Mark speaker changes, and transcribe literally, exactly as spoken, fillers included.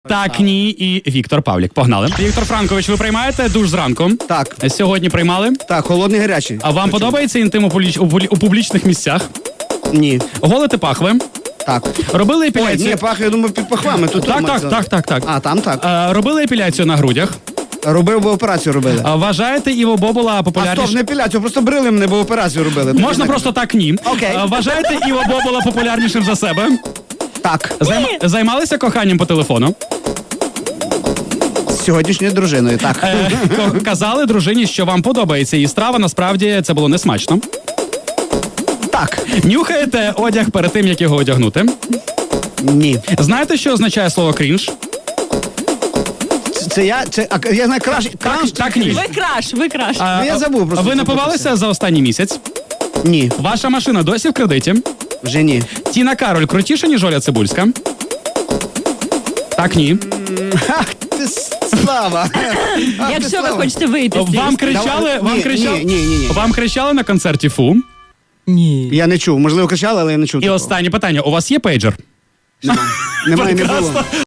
Speaker 1: Так, ні, і Віктор Павлік. Погнали. Віктор Франкович, ви приймаєте душ зранку?
Speaker 2: Так.
Speaker 1: Сьогодні приймали?
Speaker 2: Так, холодний, гарячий.
Speaker 1: А вам
Speaker 2: Причому?
Speaker 1: подобається інтим у, публіч... у, публі- у публічних місцях?
Speaker 2: Ні.
Speaker 1: Голити пахви?
Speaker 2: Так.
Speaker 1: Робили
Speaker 2: Ой,
Speaker 1: епіляцію?
Speaker 2: ні, пах, я думаю, під пахвами. Тут
Speaker 1: Так,
Speaker 2: тут
Speaker 1: так,
Speaker 2: ми-
Speaker 1: так, так, так.
Speaker 2: А, там так.
Speaker 1: Е, робили епіляцію на грудях?
Speaker 2: Робив, бо операцію робили.
Speaker 1: А вважаєте Іво Бобола
Speaker 2: А стоп,
Speaker 1: популярнішим?
Speaker 2: не епіляцію, просто брили мене, бо операцію робили.
Speaker 1: Можна
Speaker 2: Так.
Speaker 1: просто так ні.
Speaker 2: Окей.
Speaker 1: Е, Вважаєте Іво Бобола популярнішим за себе?
Speaker 2: Так.
Speaker 1: Займ... Займалися коханням по телефону?
Speaker 2: З сьогоднішньою дружиною, так.
Speaker 1: Е, ко- казали дружині, що вам подобається її страва, насправді це було не смачно.
Speaker 2: Так.
Speaker 1: Нюхаєте одяг перед тим, як його одягнути?
Speaker 2: Ні.
Speaker 1: Знаєте, що означає слово крінж?
Speaker 2: Це, це я, це, а, я знаю, краш, краш,
Speaker 1: так, ні.
Speaker 3: Ви краш, ви краш.
Speaker 1: А,
Speaker 2: Ну, я забув просто
Speaker 1: Ви
Speaker 2: це
Speaker 1: напивалися за останній місяць?
Speaker 2: Ні,
Speaker 1: Ваша машина досі в кредиті?
Speaker 2: вже ні.
Speaker 1: Тіна Кароль крутіша, ніж Оля Цибульська? Так, ні.
Speaker 2: Ах, ти с- слава. Ах, ти,
Speaker 3: Якщо ви
Speaker 2: Слава.
Speaker 3: хочете вийти з цієї
Speaker 1: Вам
Speaker 3: історії.
Speaker 1: кричали,
Speaker 2: Давай.
Speaker 1: вам
Speaker 2: Ні,
Speaker 1: кричали,
Speaker 2: ні, ні, ні, ні.
Speaker 1: вам кричали на концерті фу.
Speaker 3: Ні.
Speaker 2: Я не чув, можливо, кричали, але я не чув.
Speaker 1: І
Speaker 2: такого.
Speaker 1: останнє питання. У вас є пейджер?
Speaker 2: Немає, немає, не було.
Speaker 1: Прекрасно.